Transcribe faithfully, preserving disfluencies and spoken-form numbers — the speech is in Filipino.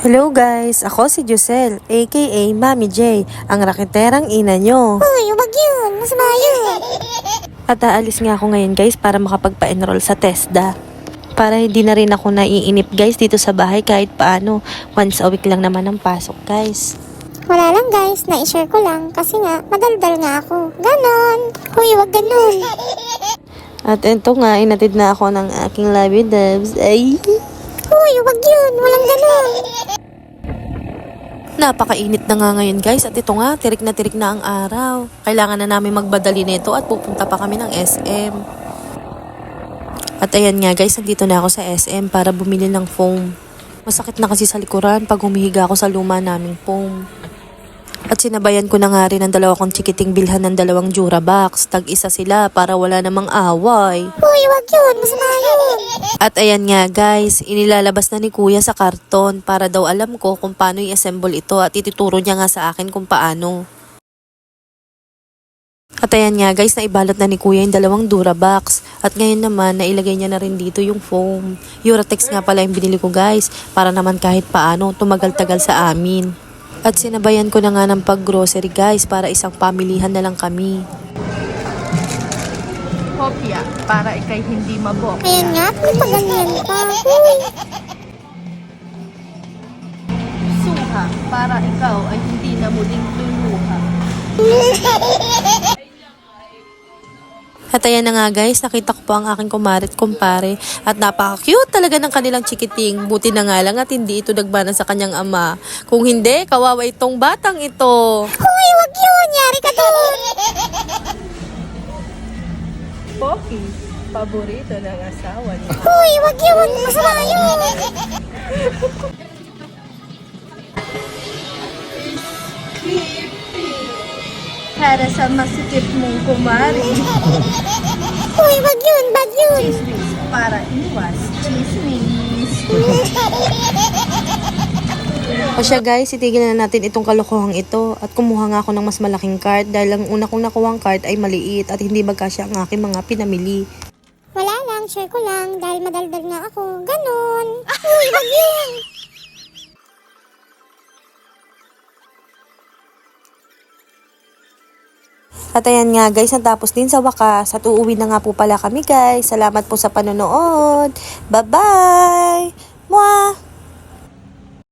Hello guys, ako si Josel, aka Mami J, ang raketerang ina nyo. Uy, wag yun. Masama yun. At aalis nga ako ngayon guys para makapagpa-enroll sa TESDA. Para hindi na rin ako naiinip guys dito sa bahay kahit paano. Once a week lang naman ang pasok guys. Wala lang guys, na-share ko lang kasi nga, madaldal nga ako. Ganon. Uy, wag ganon. At ito nga, inatid na ako ng aking lovey dubs. Ay! Uy, wag yun. Walang ganon. Napakainit na nga ngayon guys at ito nga, tirik na tirik na ang araw. Kailangan na namin magbadali nito at pupunta pa kami ng S M. At ayan nga guys, nandito na ako sa S M para bumili ng foam. Masakit na kasi sa likuran pag humihiga ako sa luma naming foam. At sinabayan ko na nga rin ang dalawa kong chikiting bilhan ng dalawang Durabox. Tag-isa sila para wala namang away. Uy, wag yun. Masama yun. At ayan nga guys, inilalabas na ni kuya sa karton para daw alam ko kung paano i-assemble ito at ituturo niya nga sa akin kung paano. At ayan nga guys, naibalot na ni kuya yung dalawang Durabox. At ngayon naman, nailagay niya na rin dito yung foam. Uratex nga pala yung binili ko guys, para naman kahit paano tumagal-tagal sa amin. At sinabayan ko na nga ng pag-grocery guys, para isang pamilihan na lang kami. Kopya, para ikay hindi mabok. Ayan nga, nagpaganyan pa. Uy. Suha, para ikaw ay hindi na muling luluha. At ayan na nga guys, nakita ko po ang aking kumarit kumpare at napaka-cute talaga ng kanilang chikiting. Buti na nga lang at hindi ito nagbanan sa kanyang ama. Kung hindi, kawawa itong batang ito. Uy, wag yun. Yari ka doon. Pocky, paborito ng asawa niya. Uy, wag yun. Masama yun. Para sa masikip mong kumari. Uy, wag yun. Bad yun. Chismis, para iwas chismis. O siya guys, itigil na natin itong kalokohang ito at kumuha nga ako ng mas malaking card dahil ang una kong nakuhang card ay maliit at hindi magkasya ang aking mga pinamili. Wala lang. Share ko lang dahil madaldal nga ako. Ganon. Uy, wag yun. At ayan nga guys, natapos din sa wakas at uuwi na nga po pala kami guys. Salamat po sa panonood. Bye-bye! Mwah!